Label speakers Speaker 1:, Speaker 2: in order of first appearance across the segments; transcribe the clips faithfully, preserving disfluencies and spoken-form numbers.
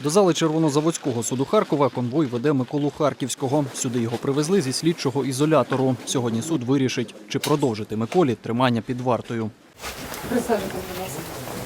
Speaker 1: До зали Червонозаводського суду Харкова конвой веде Миколу Харківського. Сюди його привезли зі слідчого ізолятору. Сьогодні суд вирішить, чи продовжити Миколі тримання під вартою.
Speaker 2: Присаджуйтесь, будь ласка.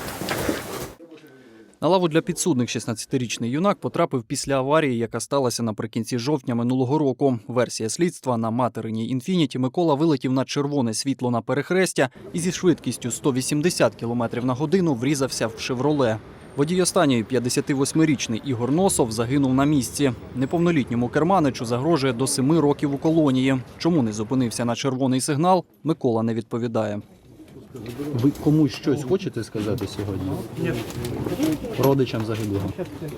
Speaker 1: На лаву для підсудних шістнадцятирічний юнак потрапив після аварії, яка сталася наприкінці жовтня минулого року. Версія слідства: на материній «Інфініті» Микола вилетів на червоне світло на перехрестя і зі швидкістю сто вісімдесят кілометрів на годину врізався в «Шевроле». Водій останньої, п'ятдесятивосьмирічний Ігор Носов, загинув на місці. Неповнолітньому керманичу загрожує до семи років у колонії. Чому не зупинився на червоний сигнал, Микола не відповідає.
Speaker 3: Ви комусь щось хочете сказати сьогодні? Ні. Родичам загиблого?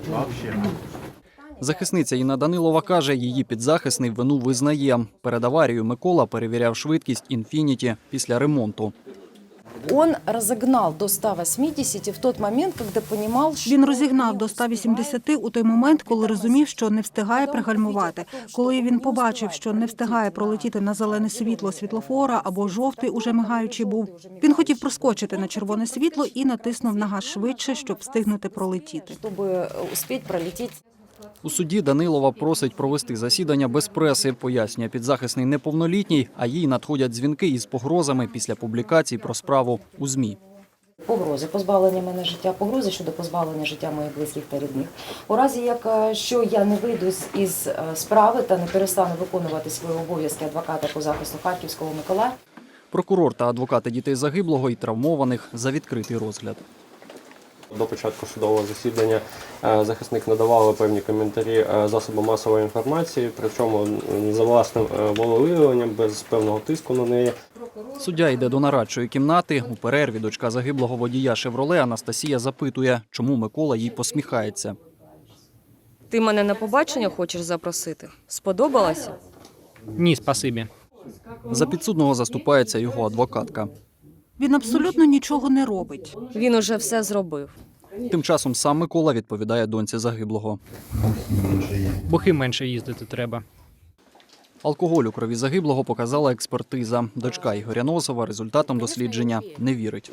Speaker 1: Захисниця Інна Данилова каже, її підзахисний вину визнає. Перед аварією Микола перевіряв швидкість «Інфініті» після ремонту.
Speaker 2: Он розігнав до ста вісімдесят в той момент, коли розумів, що...
Speaker 4: Він розігнав до ста вісімдесят у той момент, коли розумів, що не встигає пригальмувати. Коли він побачив, що не встигає пролетіти на зелене світло світлофора або жовтий уже мигаючий був, він хотів проскочити на червоне світло і натиснув на газ швидше, щоб встигнути пролетіти.
Speaker 2: Щоб успіти пролетіти.
Speaker 1: У суді Данилова просить провести засідання без преси. Пояснює, підзахисний неповнолітній, а їй надходять дзвінки із погрозами після публікацій про справу у ЗМІ.
Speaker 2: Погрози позбавлення мене життя, погрози щодо позбавлення життя моїх близьких та рідних. У разі, якщо я не вийду із справи та не перестану виконувати свої обов'язки адвоката по захисту Харківського Миколая.
Speaker 1: Прокурор та адвокати дітей загиблого і травмованих за відкритий розгляд.
Speaker 5: До початку судового засідання захисник надавав певні коментарі засобам масової інформації, причому за власним волевиявленням, без певного тиску на неї.
Speaker 1: Суддя йде до нарадчої кімнати. У перерві дочка загиблого водія «Шевроле» Анастасія запитує, чому Микола їй посміхається.
Speaker 6: Ти мене на побачення хочеш запросити? Сподобалося?
Speaker 7: Ні, спасибі.
Speaker 1: За підсудного заступається його адвокатка.
Speaker 4: Він абсолютно нічого не робить.
Speaker 6: Він уже все зробив.
Speaker 1: Тим часом сам Микола відповідає доньці загиблого.
Speaker 7: Бухи менше їздити треба.
Speaker 1: Алкоголь у крові загиблого показала експертиза. Дочка Ігоря Носова результатам дослідження не вірить.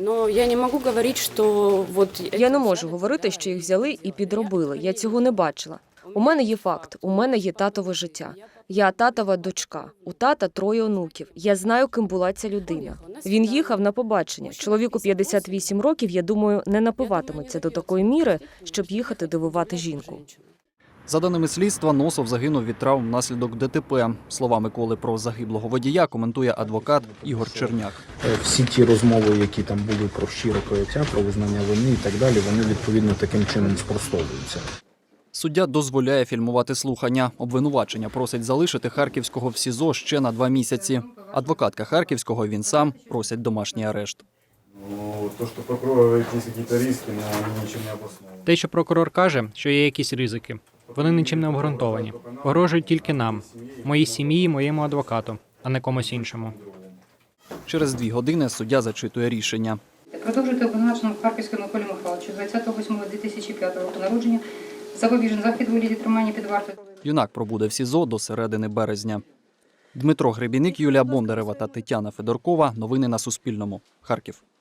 Speaker 6: Я не можу говорити, що їх взяли і підробили. Я цього не бачила. У мене є факт, у мене є татове життя. Я татова дочка, у тата троє онуків. Я знаю, ким була ця людина. Він їхав на побачення. Чоловіку п'ятдесят вісім років, я думаю, не напиватиметься до такої міри, щоб їхати дивувати жінку.
Speaker 1: За даними слідства, Носов загинув від травм внаслідок ДТП. Слова Миколи про загиблого водія коментує адвокат Ігор Черняк.
Speaker 3: Всі ті розмови, які там були про щире каяття, про визнання вини і так далі, вони відповідно таким чином спростовуються.
Speaker 1: Суддя дозволяє фільмувати слухання. Обвинувачення просить залишити Харківського в СІЗО ще на два місяці. Адвокатка Харківського, він сам, просять домашній арешт.
Speaker 7: Те, що прокурор каже, що є якісь ризики, вони нічим не обґрунтовані. Погрожують тільки нам, моїй сім'ї, моєму адвокату, а не комусь іншому.
Speaker 1: Через дві години суддя зачитує рішення.
Speaker 8: Продовжуйте обвинуваченому Харківському Миколі Михайловичу, двадцятого восьмого дві тисячі п'ятого року народження, запобіжний захід у вигляді тримання під вартою.
Speaker 1: Юнак пробуде в СІЗО до середини березня. Дмитро Гребіник, Юлія Бондарева та Тетяна Федоркова. Новини на Суспільному. Харків.